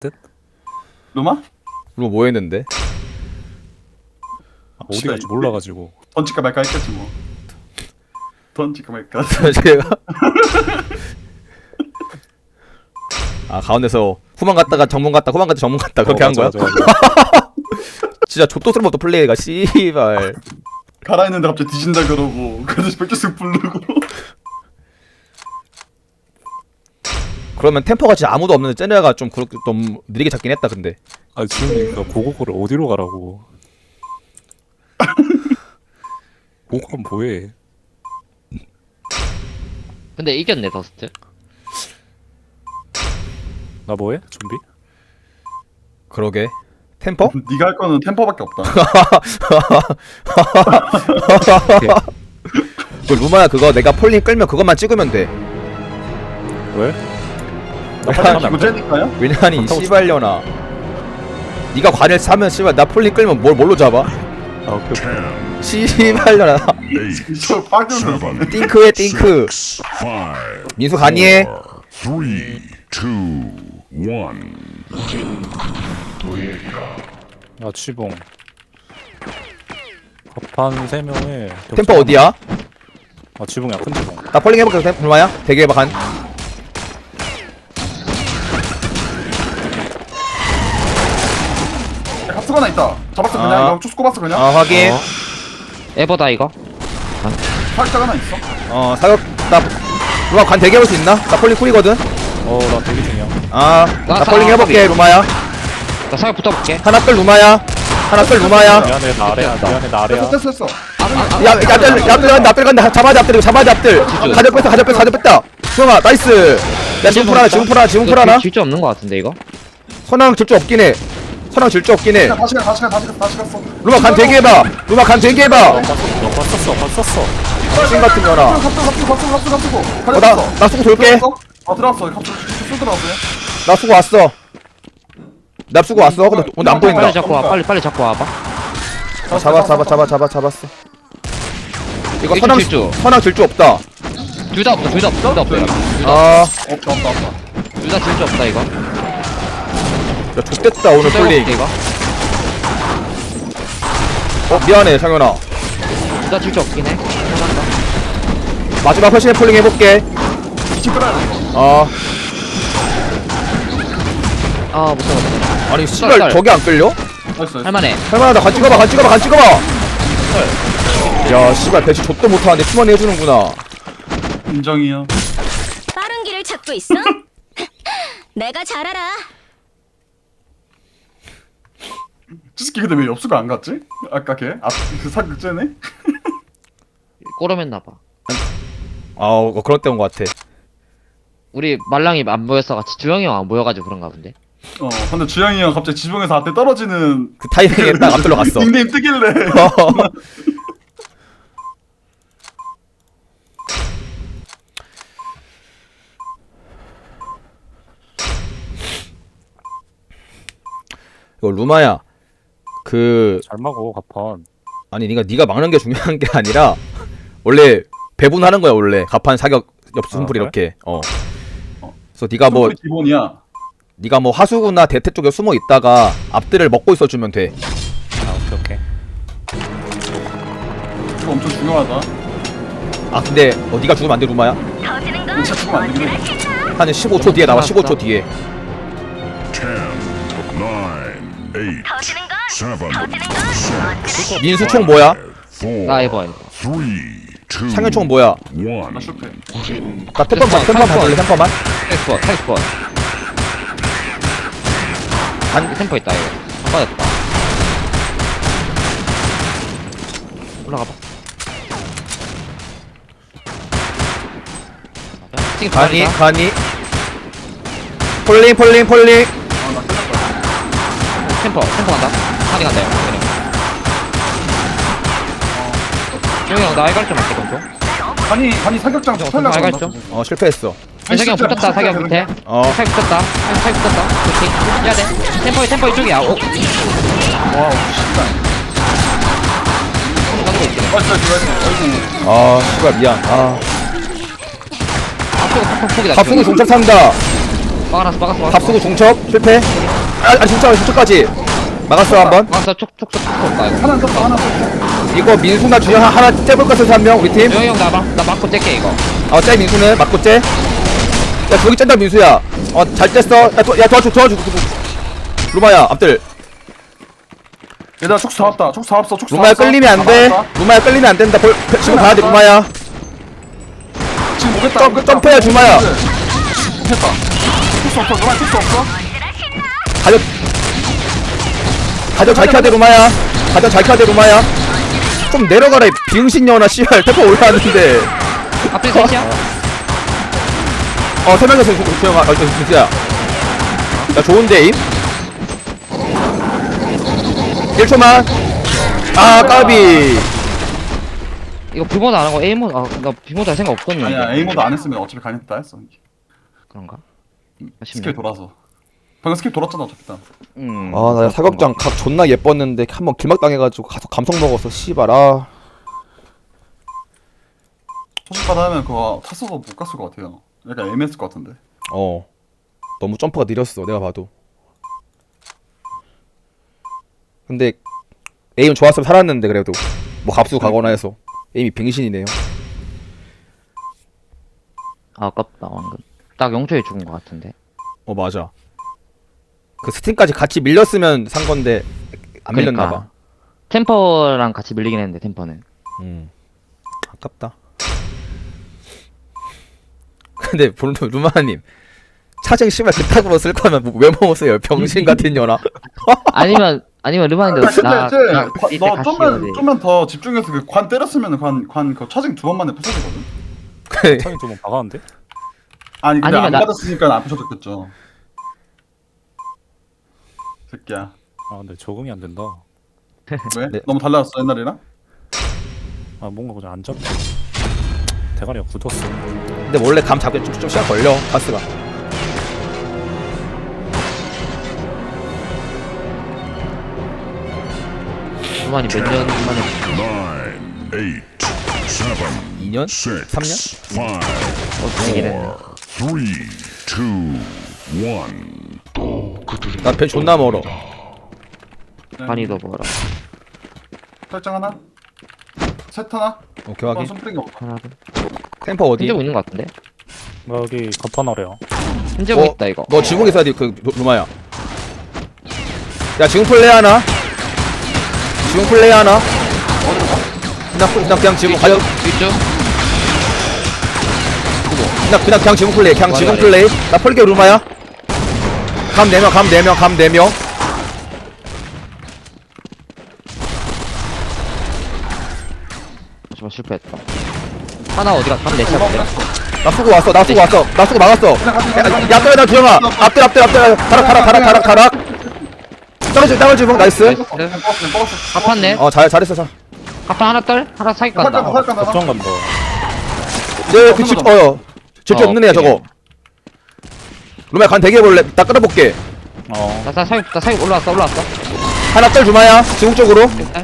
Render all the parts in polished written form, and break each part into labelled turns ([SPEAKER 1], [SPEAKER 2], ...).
[SPEAKER 1] 듯?
[SPEAKER 2] 루마?
[SPEAKER 3] 뭐 했는데?
[SPEAKER 1] 어디 갈지 몰라가지고.
[SPEAKER 2] 던질까 말까 했겠지 뭐. 던질까 말까.
[SPEAKER 3] 제가 가운데서 후방 갔다가 정문 갔다 후방 갔다 정문 갔다 그렇게 한 거야?
[SPEAKER 1] 맞아.
[SPEAKER 3] 진짜 족도스럽다 플레이가 씨발.
[SPEAKER 2] 가라 했는데 갑자기 뒤진다 그러고 그래서 백조씩 부르고.
[SPEAKER 3] 그러면 템포가 진짜 아무도 없는데 쟤네가 좀 그렇게 좀 느리게 잡긴 했다 근데.
[SPEAKER 1] 아 지금 고고고를 어디로 가라고. 고고는 뭐해?
[SPEAKER 4] 근데 이겼네 더스트.
[SPEAKER 1] 나 뭐해? 좀비?
[SPEAKER 3] 그러게. 템포?
[SPEAKER 2] 네가 할 거는 템포밖에 없다.
[SPEAKER 3] 그 루마야 그거 내가 폴링 끌면 그것만 찍으면 돼.
[SPEAKER 1] 왜? 나
[SPEAKER 3] 야,
[SPEAKER 1] 빨리 하면 안 돼?
[SPEAKER 2] 기구제니까요?
[SPEAKER 3] 왜냐니
[SPEAKER 1] 그렇다고
[SPEAKER 3] 씨발려나. 네가 관을 사면 씨발 나 폴링 끌면 뭘로 잡아?
[SPEAKER 1] 아 오케이.
[SPEAKER 3] 씨발려나.
[SPEAKER 2] 저 빠져서.
[SPEAKER 3] 띵크해 띵크. 민수 간이해.
[SPEAKER 5] 3, 2, 1.
[SPEAKER 1] 야 취봉. 갑판 3명에
[SPEAKER 3] 템포 어디야?
[SPEAKER 1] 아 취봉이야 큰 취봉.
[SPEAKER 3] 나 폴링 해볼게. 루마야 대기해봐 간.
[SPEAKER 2] 합수가 하나 있다. 잡았어 그냥.
[SPEAKER 3] 아.
[SPEAKER 2] 이거 쭉 꼽았어 그냥.
[SPEAKER 3] 확인.
[SPEAKER 4] 에버다 이거.
[SPEAKER 2] 살짝 하나 있어.
[SPEAKER 3] 사격 나 루마 관 대기해볼 수 있나? 나 폴링 쿨이거든.
[SPEAKER 1] 나 대기 중이야.
[SPEAKER 3] 나 폴링 해볼게 루마야.
[SPEAKER 4] 나 사격 붙어볼게.
[SPEAKER 3] 하나 끌 루마야. 하나 끌 루마야.
[SPEAKER 1] 미안해 나 아래야. 미안해 나 아래야.
[SPEAKER 2] 됐어.
[SPEAKER 3] 야, 앞들 간다. 잡아야 돼, 앞들. 가져 뺐다. 수영아, 나이스. 야, 지금 풀 하나.
[SPEAKER 4] 질주 없는 거 같은데 이거.
[SPEAKER 3] 선왕 질주 없긴 해.
[SPEAKER 2] 다시 갔어.
[SPEAKER 3] 루마 간 대기해봐.
[SPEAKER 1] 봤었어.
[SPEAKER 3] 신 같은 년아.
[SPEAKER 2] 갑자고.
[SPEAKER 3] 나 수고 돌게.
[SPEAKER 2] 들어왔어. 갑자기 쑥 들어왔어요.
[SPEAKER 3] 나 수고 왔어. 나 수고 왔어. 근데 안 보인다.
[SPEAKER 4] 빨리 잡고 와. 빨리 잡고 와봐.
[SPEAKER 3] 잡았어. 이거
[SPEAKER 4] 일주 질주.
[SPEAKER 3] 선왕 질주 없다.
[SPEAKER 4] 둘 다 없다. 둘 다 없다.
[SPEAKER 2] 없다.
[SPEAKER 4] 둘 다 질주 없다 이거.
[SPEAKER 3] 야, 좆됐다, 오늘 폴링.
[SPEAKER 4] 이거.
[SPEAKER 3] 미안해, 상현아.
[SPEAKER 4] 둘 다 질주 없긴 해. 하나다.
[SPEAKER 3] 마지막 회신의 폴링 해볼게.
[SPEAKER 4] 못 잡았다.
[SPEAKER 3] 아니, 씨발, 저게 안 끌려?
[SPEAKER 4] 할만해.
[SPEAKER 3] 할만하다. 간 찍어봐. 야, 씨발, 배치 좆도 못하는데 팀원이 해주는구나.
[SPEAKER 2] 인정이요.
[SPEAKER 6] 빠른 길을 찾고 있어? 내가 잘 알아.
[SPEAKER 2] 찌스키 근데 왜 엽수가 안 갔지? 아까 걔? 그 사극제네?
[SPEAKER 4] 꼬름했나봐.
[SPEAKER 3] 그런 때인 것 같아.
[SPEAKER 4] 우리 말랑이 안 모였어 같이 주영이 형 안 모여가지고 그런가 본데.
[SPEAKER 2] 근데 주영이 형 갑자기 지붕에서 앞에 떨어지는
[SPEAKER 3] 그 타이밍에 딱 앞들러 갔어.
[SPEAKER 2] 닉네임 뜨길래.
[SPEAKER 3] 이거 루마야.
[SPEAKER 1] 잘 막어 갑판.
[SPEAKER 3] 아니 네가 막는 게 중요한 게 아니라 원래 배분하는 거야 원래. 가판 사격 엽순풀
[SPEAKER 1] 그래?
[SPEAKER 3] 이렇게. 그래서 네가 뭐 하수구나 대퇴 쪽에 숨어 있다가 앞들을 먹고 있어주면 돼.
[SPEAKER 1] 오케이.
[SPEAKER 2] 이거 엄청 중요하다.
[SPEAKER 3] 근데 네가 죽으면 안 돼 루마야.
[SPEAKER 6] 터지는 건
[SPEAKER 2] 진짜 죽으면 안 되긴 해.
[SPEAKER 3] 한 15초 뒤에 나와. 15초 뒤에.
[SPEAKER 5] 10, 9, 8,
[SPEAKER 6] 터지는 건
[SPEAKER 5] 7,
[SPEAKER 3] 민수 총 뭐야?
[SPEAKER 5] 4,
[SPEAKER 4] 나 에버.
[SPEAKER 5] 3, 2,
[SPEAKER 3] 상현 총 뭐야?
[SPEAKER 5] 1.
[SPEAKER 2] 나 실패.
[SPEAKER 3] 나 템퍼만 봐줄래? 템퍼만?
[SPEAKER 4] 텍스퍼. 템퍼 있다 이거. 안 받았다. 올라가봐. 지금
[SPEAKER 3] 가니 폴링
[SPEAKER 4] 템퍼 간다. 하긴 간다 이거. 주영이 형 나 알갈 좀 할게 좀.
[SPEAKER 2] 간이 사격장 붙으려고
[SPEAKER 4] 알갈
[SPEAKER 2] 그런다.
[SPEAKER 4] 좀.
[SPEAKER 3] 실패했어.
[SPEAKER 4] 사격 붙었다. 사격 밑에. 사격 붙었다. 좋지. 해야 돼. 템퍼 이쪽이야.
[SPEAKER 2] 와우, 씨발.
[SPEAKER 4] 가는 거 있지.
[SPEAKER 2] 나이스.
[SPEAKER 3] 씨발 미안.
[SPEAKER 4] 앞쪽은 폭이다.
[SPEAKER 3] 갑순이 동작 산다.
[SPEAKER 4] 막았어.
[SPEAKER 3] 갑수고 중첩 실패. 아니 중첩까지 막았어 한번.
[SPEAKER 4] 막았어. 촉. 나 이거.
[SPEAKER 2] 하나 떴다 하나 떴다.
[SPEAKER 3] 이거 민수나 주영 하나 째볼 것 같아서 한 명 우리 팀.
[SPEAKER 4] 조영이 형 나 막고 째게 이거.
[SPEAKER 3] 째 민수는 맞고 째. 야 저기 짠다 민수야. 잘 뗐어. 야 도와줘. 루마야 앞들.
[SPEAKER 2] 얘들아 촉수 다 왔다. 촉수 다 왔어. 촉수 다
[SPEAKER 3] 루마야
[SPEAKER 2] 왔어.
[SPEAKER 3] 끌리면 안
[SPEAKER 2] 다
[SPEAKER 3] 돼.
[SPEAKER 2] 나왔다.
[SPEAKER 3] 루마야 끌리면 안 된다. 지금 가야 돼 루마야.
[SPEAKER 2] 지금 오겠다.
[SPEAKER 3] 점프해야 주마야.
[SPEAKER 2] 됐다. 촉수 없어. 루마 촉수 없어.
[SPEAKER 3] 가져 잘 켜야 돼 루마야. 가져 잘 켜야 돼 루마야. 좀 내려가라 이 비응신녀나 씨발 태포 올라왔는데.
[SPEAKER 4] 앞에 셋이야?
[SPEAKER 3] 세 명이서 주영아 민수야. 야 좋은데 임? 1초만. 까비.
[SPEAKER 4] 이거 비모드 안 하고 A 모드 나 비모드 할 생각 없었는데.
[SPEAKER 2] 아니야 A 모드 안 했으면 어차피 가겠다 했어.
[SPEAKER 4] 그런가?
[SPEAKER 2] 스킬 돌아서. 방금 스킬 돌았잖아 어차피 다.
[SPEAKER 3] 나 사격장 각 존나 예뻤는데 한번 길막당해가지고 가서 감성 먹었어 씨발.
[SPEAKER 2] 소식받아 하면 그거 탔어도 못 갔을 것 같아요. 약간 애매했을 것 같은데.
[SPEAKER 3] 너무 점프가 느렸어 내가 봐도. 근데 에임 좋았으면 살았는데 그래도 뭐 갑수 가거나 해서 에임이 빙신이네요.
[SPEAKER 4] 아깝다 방금. 딱 0초에 죽은 것 같은데.
[SPEAKER 3] 맞아. 그 스팀까지 같이 밀렸으면 산 건데 안 밀렸나 봐.
[SPEAKER 4] 템퍼랑 같이 밀리긴 했는데 템퍼는.
[SPEAKER 3] 아깝다. 근데 루마님 차쟁 씨발 그따구로 쓸 거면 왜 먹었어요 병신 같은 년아.
[SPEAKER 4] 아니면 르반인데
[SPEAKER 2] 너 좀만 더 집중해서 그 관 때렸으면 관 그 차징 2번 만에 부서지거든.
[SPEAKER 1] 차이 좀 박았는데?
[SPEAKER 2] 아니 근데
[SPEAKER 4] 아니면
[SPEAKER 2] 안
[SPEAKER 4] 나-
[SPEAKER 2] 받았으니까 안 부서졌겠죠. 새끼야.
[SPEAKER 1] 근데 적응이 안 된다.
[SPEAKER 2] 왜?
[SPEAKER 3] 네.
[SPEAKER 2] 너무 달라졌어 옛날이랑?
[SPEAKER 1] 뭔가 그냥 안 잡혀. 대가리가 굳었어.
[SPEAKER 3] 근데 원래 감 잡기 좀 시간 걸려 가스가.
[SPEAKER 4] 르반이 몇 년 만에
[SPEAKER 5] 9, 8, 7,
[SPEAKER 3] 2년?
[SPEAKER 5] 6,
[SPEAKER 3] 3년?
[SPEAKER 5] 5,
[SPEAKER 4] 되긴 했네.
[SPEAKER 5] 3, 2, 1.
[SPEAKER 3] 나 배 존나 멀어.
[SPEAKER 4] 많이 더 벌어.
[SPEAKER 2] 설정 하나? 셋 하나?
[SPEAKER 3] 오케이 확인.
[SPEAKER 2] 손뿌린 거 없다.
[SPEAKER 4] 하나
[SPEAKER 3] 템퍼 어디?
[SPEAKER 4] 힘재고 있는 것 같은데?
[SPEAKER 1] 여기 갑판 아래야.
[SPEAKER 4] 힘재고 있다 이거.
[SPEAKER 3] 너 지붕 있어야 돼 그 루마야. 야 지붕 플레이 하나? 지붕 플레이 하나? 그냥 지붕 가려.
[SPEAKER 4] 있죠?
[SPEAKER 3] 그냥 지붕 플레이. 그냥 지붕 플레이. 나 펄게 루마야. 감 4명.
[SPEAKER 4] 잠시만 실패했다. 하나 어디가? 감 내차 본데?
[SPEAKER 3] 나 쓰고 왔어. 나 쓰고 막았어. 야 떠야 나 주영아. 앞들. 가락. 땅을 주봉 나이스.
[SPEAKER 4] 갚았네.
[SPEAKER 3] 잘했어.
[SPEAKER 4] 갚아 하나 떨? 하나 사기 간다.
[SPEAKER 1] 걱정 간다.
[SPEAKER 3] 그 질주 없는 애야 저거. 루마야 간 대기 해볼래? 나 끌어볼게.
[SPEAKER 4] 나 사기 올라왔어.
[SPEAKER 3] 하나 떨 주마야. 지붕 쪽으로.
[SPEAKER 4] 일단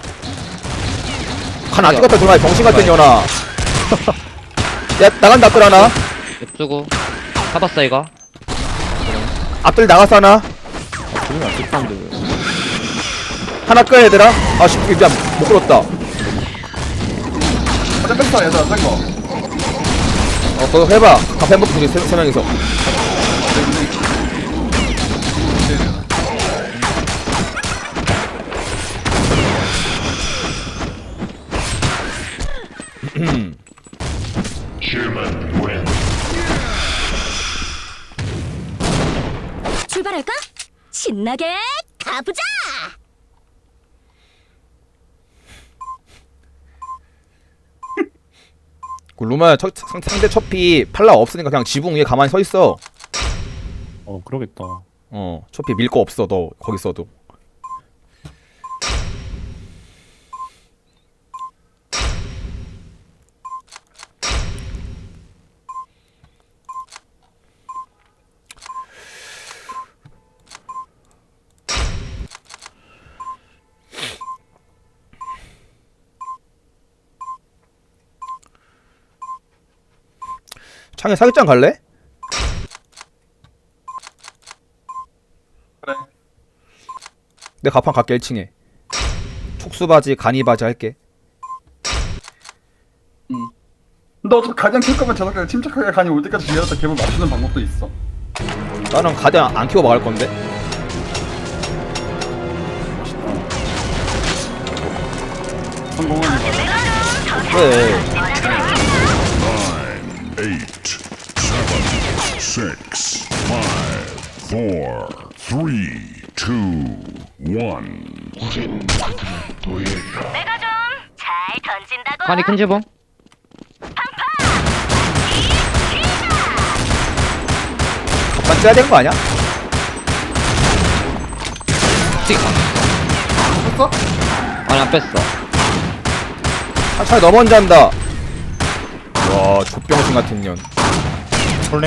[SPEAKER 3] 간 안 찍었다 주마야. 병신 같은 년아. 야 나간다 앞들 하나.
[SPEAKER 4] 옆주고 잡았어 이거.
[SPEAKER 3] 앞들 나갔어 하나.
[SPEAKER 1] 지금이 안 찍혔는데.
[SPEAKER 3] 하나 끌 얘들아. 미안 못 끌었다.
[SPEAKER 2] 어제 뺐어 얘들아 뺀 거.
[SPEAKER 3] 그거 해봐. 카페 먹고 둘이 세 명이서.
[SPEAKER 6] 출발할까? 신나게 가보자.
[SPEAKER 3] 그 루마야 상대 첩피 팔라 없으니까 그냥 지붕 위에 가만히 서 있어.
[SPEAKER 1] 그러겠다.
[SPEAKER 3] 첩피 밀 거 없어 너 거기 있어도. 창에 사격장 갈래? 내 가판 갈게 1층에. 촉수바지 간이바지 할게.
[SPEAKER 2] 근데 어차피 가장 킬 거면 저렇게 침착하게 간이 올 때까지 기다렸다 개을 맞추는 방법도 있어.
[SPEAKER 3] 나는 가장 안 키고 막을 건데.
[SPEAKER 2] 성공은 이거.
[SPEAKER 3] 그래.
[SPEAKER 5] 9, 8, 7, 6, 5, 4, 3, 2, 1.
[SPEAKER 6] 내가 좀 잘 던진다고.
[SPEAKER 4] 간이 큰 지붕.
[SPEAKER 3] 가판 째야 되는 거 아니야?
[SPEAKER 4] 스틱.
[SPEAKER 2] 했어?
[SPEAKER 4] 아니 안 뺐어.
[SPEAKER 3] 차라리 너 먼저 한다. 와 족병신 같은 년.
[SPEAKER 1] 폴링.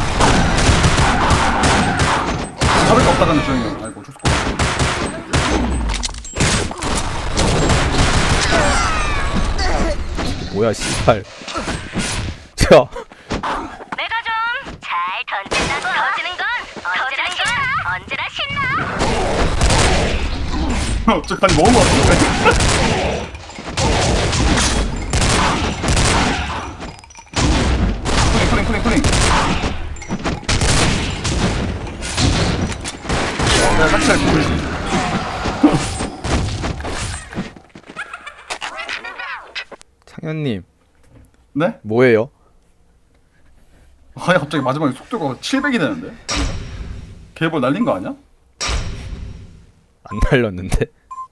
[SPEAKER 2] 잡을 거 없다가는 조용히 해. 아이고 좋고.
[SPEAKER 3] 뭐야 씨발. 자
[SPEAKER 6] 내가 좀 잘 던진다고. 던지는 건 언제나 신나.
[SPEAKER 2] 저 간이 먹은 거 같은데. 푸링. 내가 삭제할 거야.
[SPEAKER 3] 창현님
[SPEAKER 2] 네?
[SPEAKER 3] 뭐예요?
[SPEAKER 2] 아니 갑자기 마지막에 속도가 700이 되는데? 개볼 날린 거 아니야?
[SPEAKER 3] 안 날렸는데.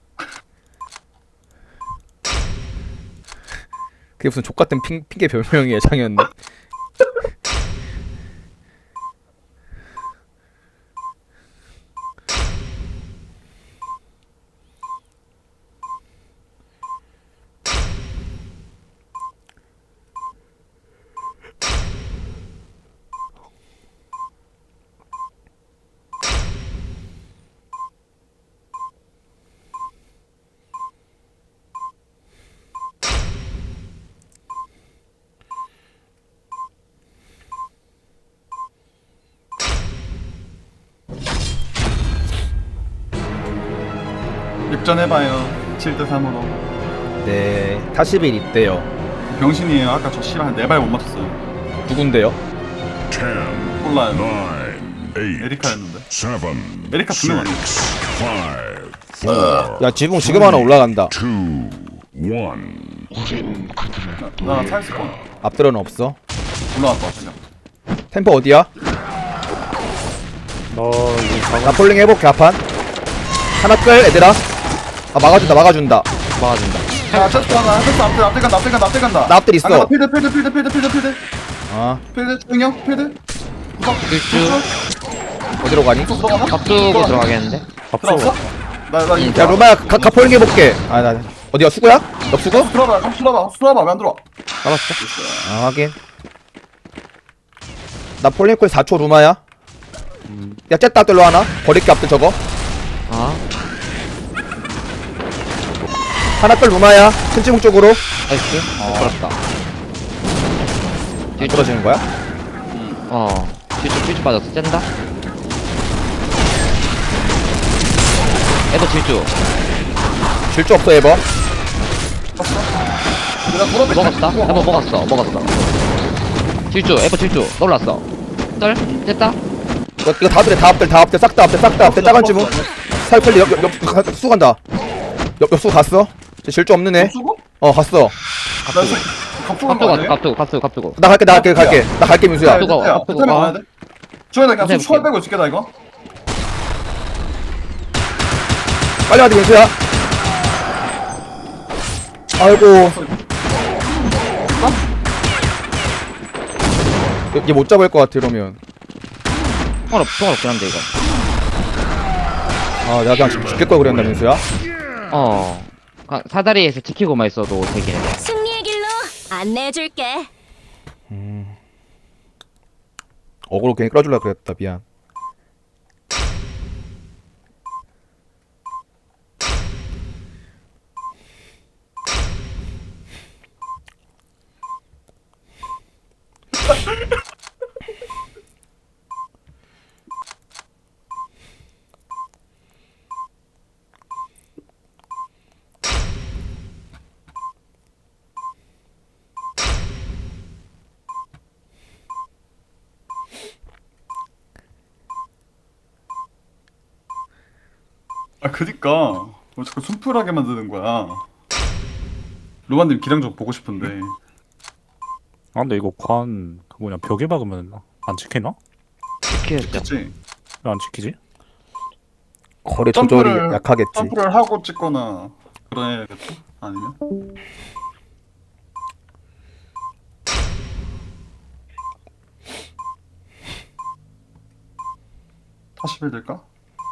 [SPEAKER 3] 그게 무슨 족같은 핑계 별명이에요 창현님.
[SPEAKER 2] 역전해봐요. 7대3으로.
[SPEAKER 3] 네 타시빌 있대요.
[SPEAKER 2] 병신이에요. 아까 저 씨발 한 4발 못 맞췄어요.
[SPEAKER 3] 누군데요?
[SPEAKER 5] 10,
[SPEAKER 2] 몰라요.
[SPEAKER 5] 9, 8,
[SPEAKER 2] 에리카였는데.
[SPEAKER 5] 7,
[SPEAKER 2] 에리카 2명 아니야?
[SPEAKER 5] 5, 4,
[SPEAKER 3] 야 지붕 지금 하나 올라간다.
[SPEAKER 5] 2, 1.
[SPEAKER 2] 나 차있을 거야.
[SPEAKER 3] 앞들어는 없어.
[SPEAKER 2] 올라왔다 그냥.
[SPEAKER 3] 템포 어디야?
[SPEAKER 1] 너 이거
[SPEAKER 3] 나 폴링 해볼게 하판. 하나 끌 얘들아. 아 막아준다.
[SPEAKER 4] 막아준다.
[SPEAKER 2] 야 체스트 하나. 체스트 앞에 간다.
[SPEAKER 3] 나 앞들 있어.
[SPEAKER 2] 아, 필드.
[SPEAKER 3] 아
[SPEAKER 2] 필드 조용히 필드. 구석.
[SPEAKER 4] 일주.
[SPEAKER 3] 어디로 가니?
[SPEAKER 2] 구석 들어가나?
[SPEAKER 4] 밥두고 들어가겠는데?
[SPEAKER 2] 들어갔어? 나 이거
[SPEAKER 3] 야 로마야 가 폴링 해볼게. 아 나 어디야 수구야? 너 수구?
[SPEAKER 2] 수라봐 왜 안 들어와?
[SPEAKER 4] 잡았어.
[SPEAKER 3] 아 확인. 나 폴링 콜 4초 루마야. 야 쨌다 앞들로 하나. 버릴게 앞들 저거.
[SPEAKER 4] 아
[SPEAKER 3] 하나 끌 루마야. 큰 지붕 쪽으로.
[SPEAKER 4] 나이스. 걸었다.
[SPEAKER 3] 안 떨어지는 거야?
[SPEAKER 4] 질주 빠졌어. 짠다. 에버 질주.
[SPEAKER 3] 질주 없어 에버.
[SPEAKER 4] 먹었다. 에버 먹었어. 질주. 에버 질주. 놀랐어. 떨. 됐다.
[SPEAKER 3] 이거 다 앞들 싹 다 앞들 작은 지붕. 살펠리 옆 수 간다. 옆수 갔어. 질주 없는 애.
[SPEAKER 2] 수고?
[SPEAKER 3] 어 갔어.
[SPEAKER 2] 나 지금 갑주고 거 아니야?
[SPEAKER 4] 갑두고.
[SPEAKER 3] 나 갈게 민수야.
[SPEAKER 4] 갑두고.
[SPEAKER 2] 야,
[SPEAKER 4] 갑두고.
[SPEAKER 2] 타이밍 와야 돼. 주현아 그냥
[SPEAKER 4] 해볼게.
[SPEAKER 2] 초월 빼고 있을게 나 이거.
[SPEAKER 3] 빨리 와야 민수야. 아이고. 얘 못 잡을 것 같아 이러면.
[SPEAKER 4] 통화 없긴 한데 이거.
[SPEAKER 3] 아 내가 그냥 죽일 걸 그랬나 민수야.
[SPEAKER 4] 사다리에서 지키고만 있어도 되긴 해.
[SPEAKER 6] 승리의 길로 안내해줄게.
[SPEAKER 3] 어그로 괜히 끌어주려고 그랬다 미안.
[SPEAKER 2] 아 그니까 왜 자꾸 순풀하게 만드는 거야. 로만님 기량 좀 보고 싶은데.
[SPEAKER 1] 아 근데 이거 그 뭐냐 벽에 박으면 안 찍히나?
[SPEAKER 4] 지켜야죠.
[SPEAKER 2] 그치?
[SPEAKER 1] 왜 안 찍히지?
[SPEAKER 3] 거리 조절이 약하겠지.
[SPEAKER 2] 점프를 하고 찍거나 그래야겠지? 아니면? 다시 빌릴까?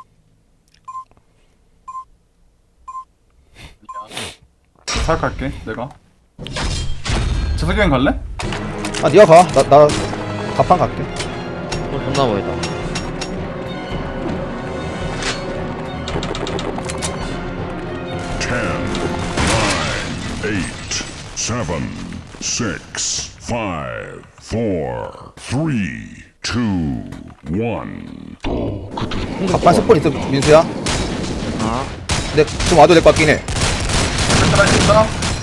[SPEAKER 2] 사역할게 내가. 재석이 형 갈래?
[SPEAKER 3] 아 니가 가. 나 가판 갈게.
[SPEAKER 4] 존나 보이다.
[SPEAKER 5] 10, 9, 8, 7, 6, 5, 4, 3, 2, 1.
[SPEAKER 3] 가판 스폰 있어 민수야.
[SPEAKER 4] 아,
[SPEAKER 3] 근데 좀 와도 될 것 같긴 해.
[SPEAKER 2] 할수 있다.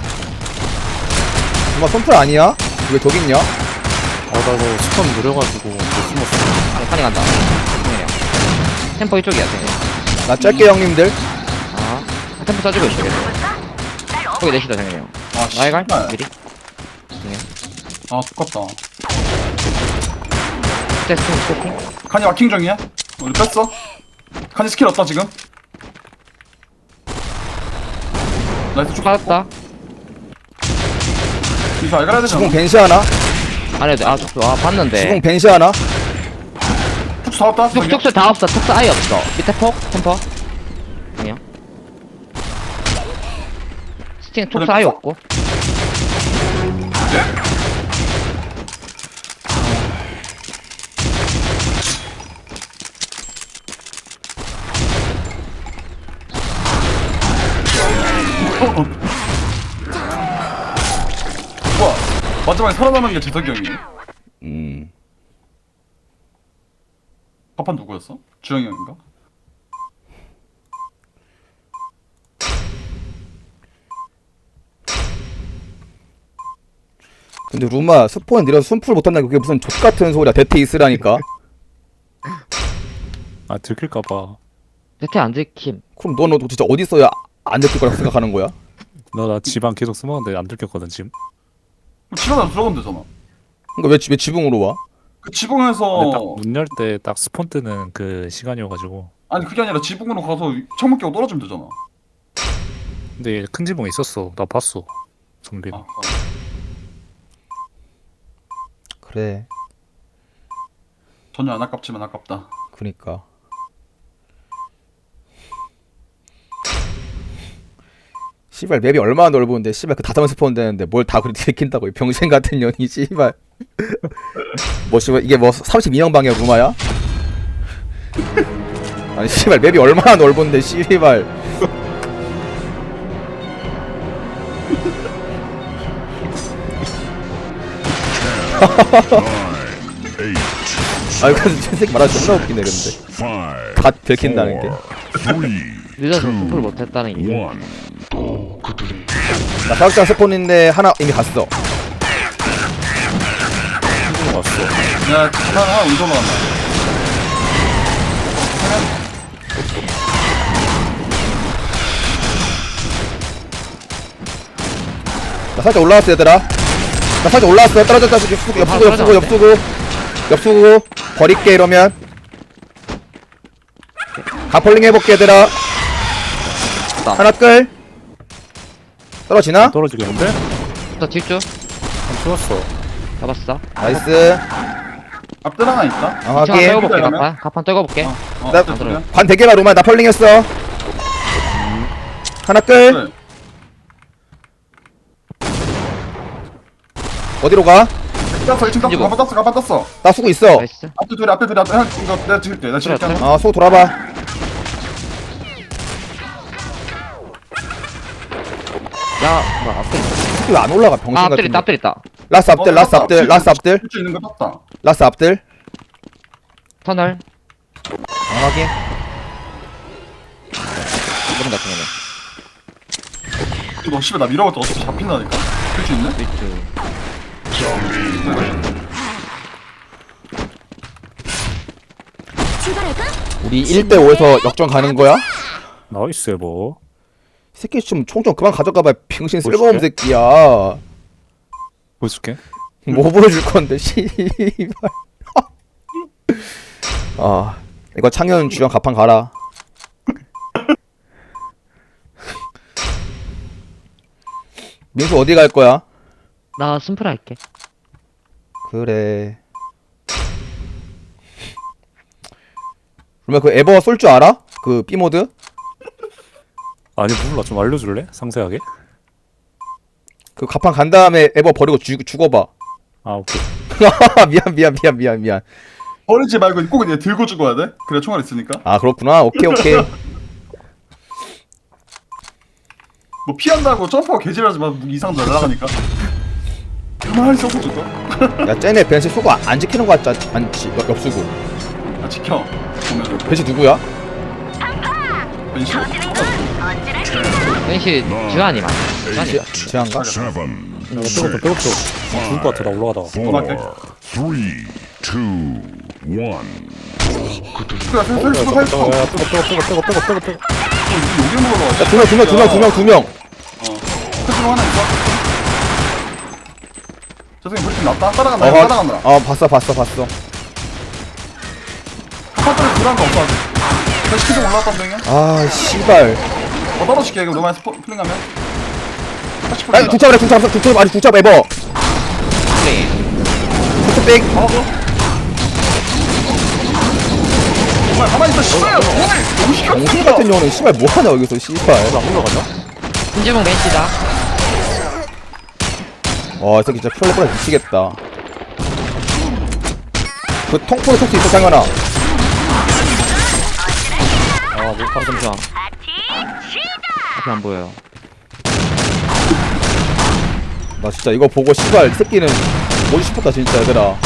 [SPEAKER 3] 정말 손풀 아니야? 왜 저기 있냐?
[SPEAKER 1] 나 이거 스턴 느려가지고 못 숨었어.
[SPEAKER 4] 판이 간다. 형이야. 템포 이쪽이야, 템포.
[SPEAKER 3] 나 짧게 형님들.
[SPEAKER 4] 아, 템포 써주고 있어, 계속. 거기 내시다, 정현이 형.
[SPEAKER 2] 아
[SPEAKER 4] 나이 갈?
[SPEAKER 2] 씨발.
[SPEAKER 4] 미리?
[SPEAKER 2] 아 똑같다.
[SPEAKER 4] 스태스팅, 스태스팅.
[SPEAKER 2] 칸이 와킹 중이야? 우리 뺐어? 칸이 스킬 없다 지금? 나이스 쭉
[SPEAKER 4] 받았다.
[SPEAKER 2] 이거 알가야 되잖아.
[SPEAKER 3] 지붕 벤시 하나?
[SPEAKER 4] 안 해도 돼. 아, 촉수. 아, 봤는데.
[SPEAKER 3] 지붕 벤시 하나?
[SPEAKER 2] 쭉 사왔다.
[SPEAKER 4] 촉수 다 없어. 촉수 아예 없어. 밑에 폭, 템포. 아니요. 스팅 촉수 아예 없고.
[SPEAKER 2] 우와 마지막에 살아남은 게 재석이 형이네. 파판 누구였어? 주영이 형인가?
[SPEAKER 3] 근데 루마 스폰 느려서 순풀 못한다는 게 그게 무슨 족같은 소리야. 대퇴 있으라니까.
[SPEAKER 1] 아 들킬까봐.
[SPEAKER 4] 대퇴 안 들킴.
[SPEAKER 3] 그럼 너는 진짜 어디 있어야 안 들킬 거라고 생각하는 거야?
[SPEAKER 1] 나 집안 계속 숨었는데 안 들켰거든 지금.
[SPEAKER 2] 그럼 집 안으로 들어가면 되잖아.
[SPEAKER 3] 그러니까 왜 지붕으로 와?
[SPEAKER 2] 그 지붕에서
[SPEAKER 1] 근데 딱 문 열 때 딱 스폰 뜨는 그 시간이어가지고.
[SPEAKER 2] 아니 그게 아니라 지붕으로 가서 창문 끼고 떨어지면 되잖아.
[SPEAKER 1] 근데 큰 지붕에 있었어. 나 봤어. 정빈.
[SPEAKER 2] 아,
[SPEAKER 3] 그래.
[SPEAKER 2] 전혀 안 아깝지만 아깝다.
[SPEAKER 3] 그니까. 씨발 맵이 얼마나 넓은데 씨발 그 다섯 스폰 되는데 뭘 다 그렇게 들킨다고 이 병신 같은 년이 씨발. 뭐 씨발 이게 뭐 32형 방이야 루마야? 아니 씨발 맵이 얼마나 넓은데 씨발. 아 이거 저 새끼 말하기 존나 웃기네 근데. 다 들킨다는 게.
[SPEAKER 4] 늦어서 스포를 못했다는 게.
[SPEAKER 3] 나 사격장 스폰인데 하나 이미 갔어.
[SPEAKER 1] 왔어.
[SPEAKER 2] 야 하나 운전 왔나?
[SPEAKER 3] 나 살짝 올라왔어 얘들아. 나 살짝 올라왔어. 떨어졌다. 옆수구 버릴게 이러면. 가폴링 해볼게 얘들아. 하나 끌. 떨어지나?
[SPEAKER 1] 떨어지겠는데?
[SPEAKER 4] 또 질주.
[SPEAKER 1] 안 추웠어.
[SPEAKER 4] 잡았어.
[SPEAKER 3] 나이스.
[SPEAKER 2] 앞들 하나 있다.
[SPEAKER 3] 아,
[SPEAKER 4] 층
[SPEAKER 3] 확인.
[SPEAKER 4] 떨궈볼게,
[SPEAKER 2] 그러면?
[SPEAKER 4] 가판. 가판 떨궈볼게.
[SPEAKER 3] 나-
[SPEAKER 2] 앞들 들어요.
[SPEAKER 3] 관 대개가 로마 나 펄링 했어. 하나 끌.
[SPEAKER 2] 그래.
[SPEAKER 3] 어디로 가?
[SPEAKER 2] 땄어 1층 땄어.
[SPEAKER 4] 뭐.
[SPEAKER 2] 가판 땄어.
[SPEAKER 3] 나 쓰고 있어.
[SPEAKER 4] 나이스.
[SPEAKER 2] 앞들 둘이 앞에 형 이거 내가 찍을게. 내가 찍을게.
[SPEAKER 4] 그래,
[SPEAKER 3] 아, 소 돌아봐.
[SPEAKER 4] 야, 뭐, 앞에.
[SPEAKER 3] 새끼 왜안 올라가 병신
[SPEAKER 4] 아, 앞들
[SPEAKER 3] 같은
[SPEAKER 4] 있다, 앞들 있다.
[SPEAKER 3] 라스 앞들 라스 앞들 라스 앞들
[SPEAKER 2] 수 있는 거 땄다.
[SPEAKER 3] 라스 앞들.
[SPEAKER 4] 터널.
[SPEAKER 3] 아, 확인.
[SPEAKER 4] 이런 같은 거는.
[SPEAKER 2] 너 씨발 나 밀어봤자 어차피 잡힌다니까. 쓸 수 있네?
[SPEAKER 4] 질주.
[SPEAKER 6] 출발할까?
[SPEAKER 3] 우리 1대5에서 역전 가는 거야?
[SPEAKER 1] 나이스 뭐.
[SPEAKER 3] 이 새끼 좀 총 좀 그만 가져가봐. 병신
[SPEAKER 1] 뭐
[SPEAKER 3] 쓸모없는
[SPEAKER 1] 줄게?
[SPEAKER 3] 새끼야.
[SPEAKER 1] 보여줄게.
[SPEAKER 3] 뭐 보여줄 건데 씨발. 아 이거 창현 주연 가판 가라. 민수 어디 갈 거야?
[SPEAKER 4] 나 심플 할게.
[SPEAKER 3] 그래. 그러면 그 에버 쏠 줄 알아? 그 B 모드?
[SPEAKER 1] 아니 몰라 좀 알려줄래? 상세하게?
[SPEAKER 3] 그 가판 간 다음에 에버 버리고 죽어봐.
[SPEAKER 1] 아 오케이.
[SPEAKER 3] 미안.
[SPEAKER 2] 버리지 말고 꼭 이제 들고 죽어야 돼. 그래 총알 있으니까.
[SPEAKER 3] 아 그렇구나. 오케이.
[SPEAKER 2] 뭐 피한다고 점프하고 개질하지 마. 무기 이상 날아가니까. 가만히 쏘고 죽어.
[SPEAKER 3] 야 쟤네 벤시 수고 안 지키는 거 같지 않지? 옆수고.
[SPEAKER 2] 아 지켜. 보면
[SPEAKER 3] 벤시 누구야?
[SPEAKER 2] 벤시.
[SPEAKER 4] 왠시 주한이 맞아. 주한이.
[SPEAKER 3] 지한가?
[SPEAKER 5] 7,
[SPEAKER 1] 백업도 죽을 것 같아 나 올라가다가.
[SPEAKER 5] 4, 3, 2, 1.
[SPEAKER 2] 그래 살수.
[SPEAKER 1] 야 백업.
[SPEAKER 2] 여기 먹으러 와.
[SPEAKER 3] 야, 두 명.
[SPEAKER 2] 크지로 하나 있어. 저 새끼 불팀 났다. 따라간다.
[SPEAKER 3] 봤어.
[SPEAKER 2] 카파트를 불안가 없어 아직. 나 시키좀 올라왔단 중이야.
[SPEAKER 3] 아, 씨발.
[SPEAKER 2] 떨어질게 이거 너만 플링하면.
[SPEAKER 3] 야, 국잡 에버.
[SPEAKER 4] 플레이.
[SPEAKER 3] 국잡
[SPEAKER 2] 정말 가만히 있어. 씨발. 너무 시켜.
[SPEAKER 3] 정신 같은 년은 씨발 뭐 하냐 여기서 씨발.
[SPEAKER 1] 나 올라가자.
[SPEAKER 4] 신지봉 벤시다.
[SPEAKER 3] 와, 이 새끼 진짜 프롤레프라 미치겠다. 그 통포로 쏠수 있어, 장현아.
[SPEAKER 4] 아 잠시만. 앞에 안 보여요.
[SPEAKER 3] 나 진짜 이거 보고 씨발 이 새끼는 뭐지 싶었다 진짜 얘들아.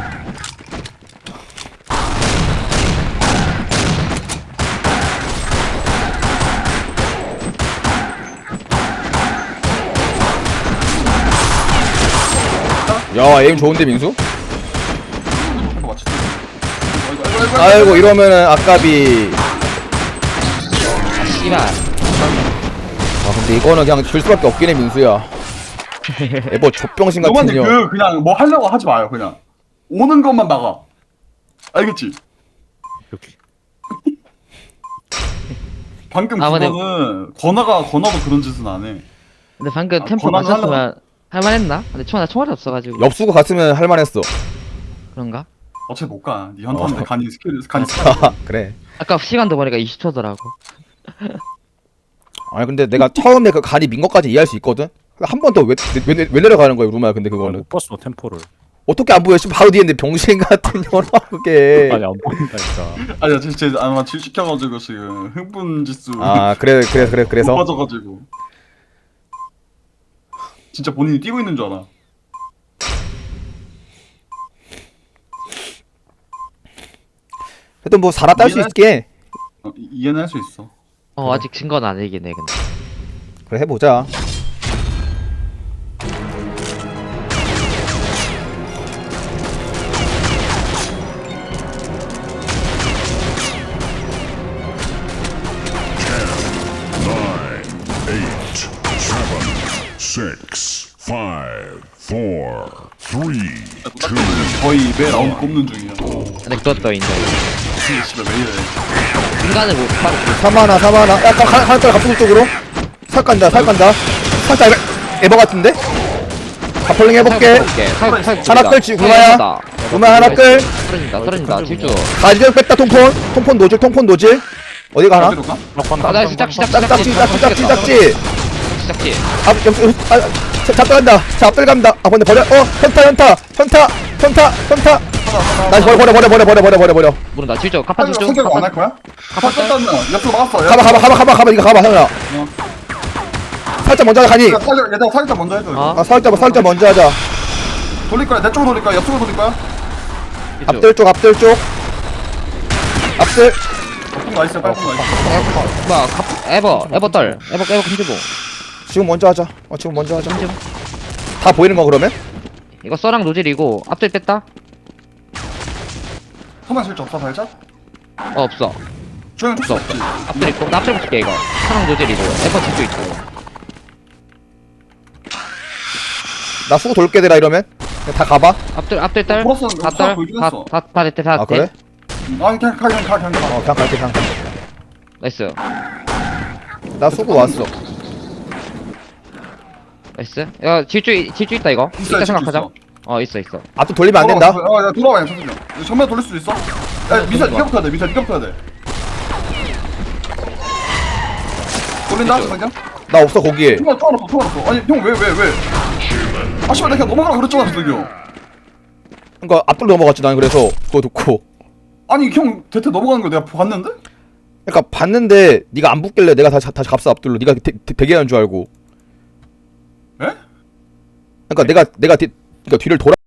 [SPEAKER 3] 야, 에임 좋은데 민수? 아이고 이러면은 아까비.
[SPEAKER 4] 씨발.
[SPEAKER 3] 아 근데 이거는 그냥 줄 수밖에 없긴 해 민수야. 에버 족병신 같은
[SPEAKER 2] 너만데
[SPEAKER 3] 년.
[SPEAKER 2] 그냥 뭐 하려고 하지 마요 그냥. 오는 것만 막아. 알겠지?
[SPEAKER 1] 이렇게.
[SPEAKER 2] 방금
[SPEAKER 4] 아, 근데-
[SPEAKER 2] 그거는 건화도 그런 짓은 안 해.
[SPEAKER 4] 근데 방금
[SPEAKER 2] 아,
[SPEAKER 4] 템포
[SPEAKER 2] 권한을
[SPEAKER 4] 맞췄으면 할만했나? 근데 나 총알이 없어가지고.
[SPEAKER 3] 옆수고 갔으면 할만했어.
[SPEAKER 4] 그런가?
[SPEAKER 2] 어차피 못 가. 네 현타인데 간이 스킬.
[SPEAKER 3] 그래.
[SPEAKER 4] 아까 시간도 보니까 20초더라고.
[SPEAKER 3] 아니 근데 내가 처음에 그 간이 민 것까지 이해할 수 있거든. 한 번 더 왜 내려가는 거야 루마야? 근데 그거는
[SPEAKER 1] 못 봤어 템포를.
[SPEAKER 3] 어떻게 안 보여? 지금 바로 뒤에 있는데 병신 같은 년아 그게.
[SPEAKER 1] 아니 안 보인다니까.
[SPEAKER 2] 아니야 진짜 아마 질 시켜가지고 지금 흥분 지수.
[SPEAKER 3] 아 그래서
[SPEAKER 2] 높아져가지고. 진짜 본인이 뛰고 있는 줄 알아.
[SPEAKER 3] 그래도 뭐 살아 딸 수 있게.
[SPEAKER 2] 이해는 할 수 있어.
[SPEAKER 4] 아직 증거는 아니겠네 근데.
[SPEAKER 3] 그래 해보자.
[SPEAKER 5] Nine, 8, 7, 6, 5, 4, 3, 2.
[SPEAKER 2] 거의 매 라운드 꼽는 중이야.
[SPEAKER 4] 근데 그것도 인정.
[SPEAKER 2] 근데 씨발 왜 이래.
[SPEAKER 4] 인간을 못 바로.
[SPEAKER 3] 사마나. 야 하나 떨 갑수국 쪽으로. 살 간다. 살짝 에버 같은데? 가폴링 해볼게. 하나 끌지 구마야. 구마 하나 끌.
[SPEAKER 4] 떨어진다 질주.
[SPEAKER 3] 가지를 뺐다 통폰 노질. 어디 가나?
[SPEAKER 2] 어디로 가?
[SPEAKER 4] 나 시작
[SPEAKER 3] 짝지.
[SPEAKER 4] 시작지.
[SPEAKER 3] 잡들간다. 잡들간다. 아 근데 버려. 현타. 나 버려.
[SPEAKER 4] 모른다 질주. 카파 질주.
[SPEAKER 2] 성격 안할 거야? 카파 떴다면 옆으로 막았어.
[SPEAKER 3] 가봐 이거 가봐 형아. 살짝 먼저 하자 가니.
[SPEAKER 2] 얘들아 살짝 먼저 해줘.
[SPEAKER 4] 어?
[SPEAKER 3] 아 살짝 먼저 하자.
[SPEAKER 2] 돌릴 거야. 내 쪽으로 돌릴 거야. 옆쪽으로 돌릴 거야.
[SPEAKER 3] 앞들 쪽. 앞들.
[SPEAKER 2] 빨리 나이스.
[SPEAKER 4] 뭐야 에버 떨. 에버 큰지봉.
[SPEAKER 3] 지금 먼저 하자. 다 보이는 거 그러면?
[SPEAKER 4] 이거 써랑 노질이고 앞들 뺐다?
[SPEAKER 2] 소만 실적 없어 살짝?
[SPEAKER 4] 없어.
[SPEAKER 2] 조용
[SPEAKER 4] 없어 없어 앞들 있고 나 앞들 붙을게 이거 사랑 노젤이고 에버 집도 있고
[SPEAKER 3] 나 수고 돌게 되라 이러면 그냥 다 가봐.
[SPEAKER 4] 앞들 딸
[SPEAKER 2] 벌써 수학 보여주긴 했어.
[SPEAKER 4] 다 됐대 다
[SPEAKER 3] 아 그래?
[SPEAKER 4] 됐대
[SPEAKER 2] 아니 그냥 가.
[SPEAKER 3] 그냥 갈게 그냥.
[SPEAKER 4] 나이스
[SPEAKER 3] 나 수고 왔어.
[SPEAKER 4] 나이스 야 질주 있다 이거
[SPEAKER 2] 있어,
[SPEAKER 4] 이따
[SPEAKER 2] 질주
[SPEAKER 4] 생각하자
[SPEAKER 2] 있어.
[SPEAKER 4] 있어 있어
[SPEAKER 3] 앞도 돌리면 안 된다.
[SPEAKER 2] 야 돌아와 잠시만. 정면 돌릴 수 있어? 야 미사 니가 붙어야 돼. 미사 니가 붙어야 돼. 돌린다 자기야?
[SPEAKER 3] 나 없어 거기에.
[SPEAKER 2] 총알 없어. 아니 형 왜? 아 씨발 내가 그냥 넘어가라 그랬잖아 저기요.
[SPEAKER 3] 그러니까 앞돌로 넘어갔지 난 그래서 그거 듣고.
[SPEAKER 2] 아니 형 대퇴 넘어가는 거 내가 봤는데?
[SPEAKER 3] 그러니까 봤는데 네가 안 붙길래 내가 다시 값어 앞돌로. 네가 대기하는 줄 알고.
[SPEAKER 2] 에?
[SPEAKER 3] 그러니까 내가 그러니까 뒤를 돌아.